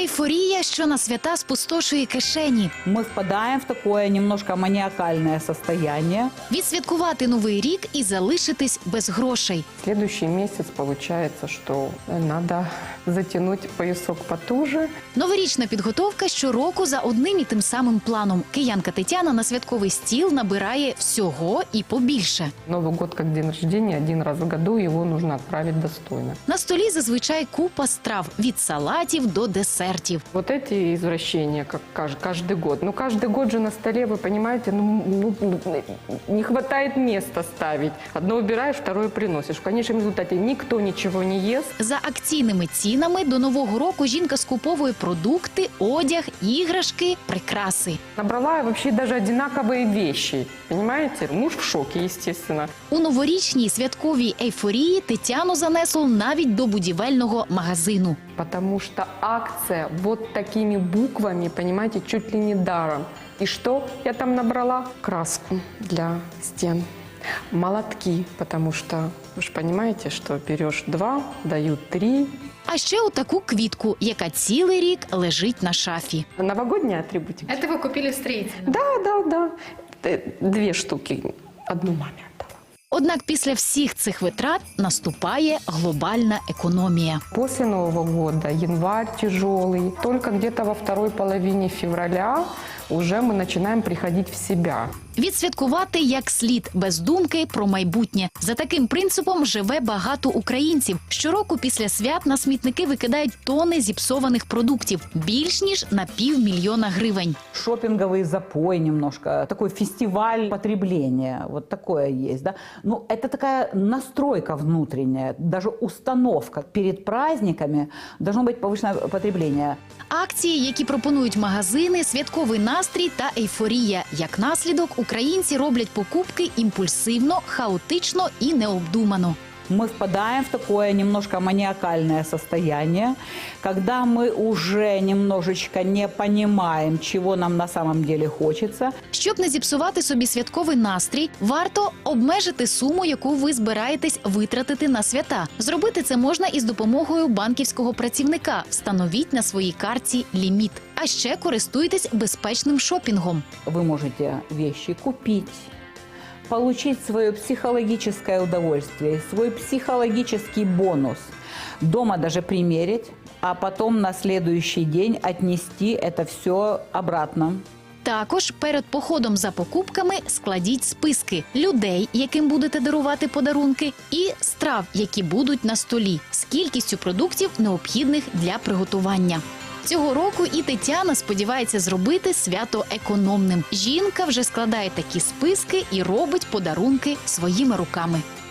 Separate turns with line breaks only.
Ейфорія, що на свята спустошує кишені.
Мы впадаем в такое немножко маниакальное состояние.
Відсвяткувати Новий рік і залишитись без грошей.
Следующий месяц получается, что надо затянуть поясок потуже.
Новорічна підготовка щороку за одним і тим самим планом. Киянка Тетяна на святковий стіл набирає всього і побільше.
Новый год как день рождения, один раз в году, его нужно отправить достойно.
На столі зазвичай купа страв – від салатів до десертів.
Вот эти извращения, как каждый год. Ну, каждый год же на столе, вы понимаете, не хватает места ставить. Одно убираешь, второе приносишь. В конечном результате никто ничего не ест.
За акційними цінами до Нового року жінка скуповує продукти, одяг, іграшки, прикраси.
Набрала вообще даже одинаковые вещи, понимаете? Муж в шоке, естественно.
У новорічній святковій ейфорії Тетяну занесло навіть до будівельного магазину.
Потому что акция вот такими буквами, понимаете, чуть ли не даром. И что я там набрала? Краску для стен, молотки, потому что вы же понимаете, что берешь 2, дают 3.
А ще отаку квітку, яка цілий рік лежить на шафі.
Новогодняя атрибутика.
Это вы купили в строительном?
Да. 2 штуки. Одну маме отдала.
Однак після всіх цих витрат наступає глобальна економія.
После Нового года, январь тяжелый, только где-то во второй половине февраля уже мы начинаем приходить в себя.
Відсвяткувати як слід, без думки про майбутнє. За таким принципом живе багато українців. Щороку після свят на смітники викидають тони зіпсованих продуктів. Більш ніж на 500 000 гривень.
Шопинговый запой немножко, такой фестиваль потребления, вот такое есть, да. Ну, это такая настройка внутренняя, даже установка. Перед праздниками должно быть повышенное потребление.
Акції, які пропонують магазини, святковий настрій та ейфорія. Як наслідок, українці роблять покупки імпульсивно, хаотично і необдумано.
Мы впадаем в такое немножко маниакальное состояние, когда мы уже немножечко не понимаем, чего нам на самом деле хочется.
Щоб не зіпсувати собі святковий настрій, варто обмежити суму, яку ви збираєтесь витратити на свята. Зробити це можна із допомогою банківського працівника. Встановіть на своїй картці ліміт. А ще користуйтесь безпечним шопінгом.
Вы можете вещи купить, получить свое психологическое удовольствие, свой психологический бонус, дома даже примерить, а потом на следующий день отнести это все обратно.
Також перед походом за покупками складіть списки людей, яким будете дарувати подарунки, і страв, які будуть на столі, з кількістю продуктів, необхідних для приготування. Цього року і Тетяна сподівається зробити свято економним. Жінка вже складає такі списки і робить подарунки своїми руками.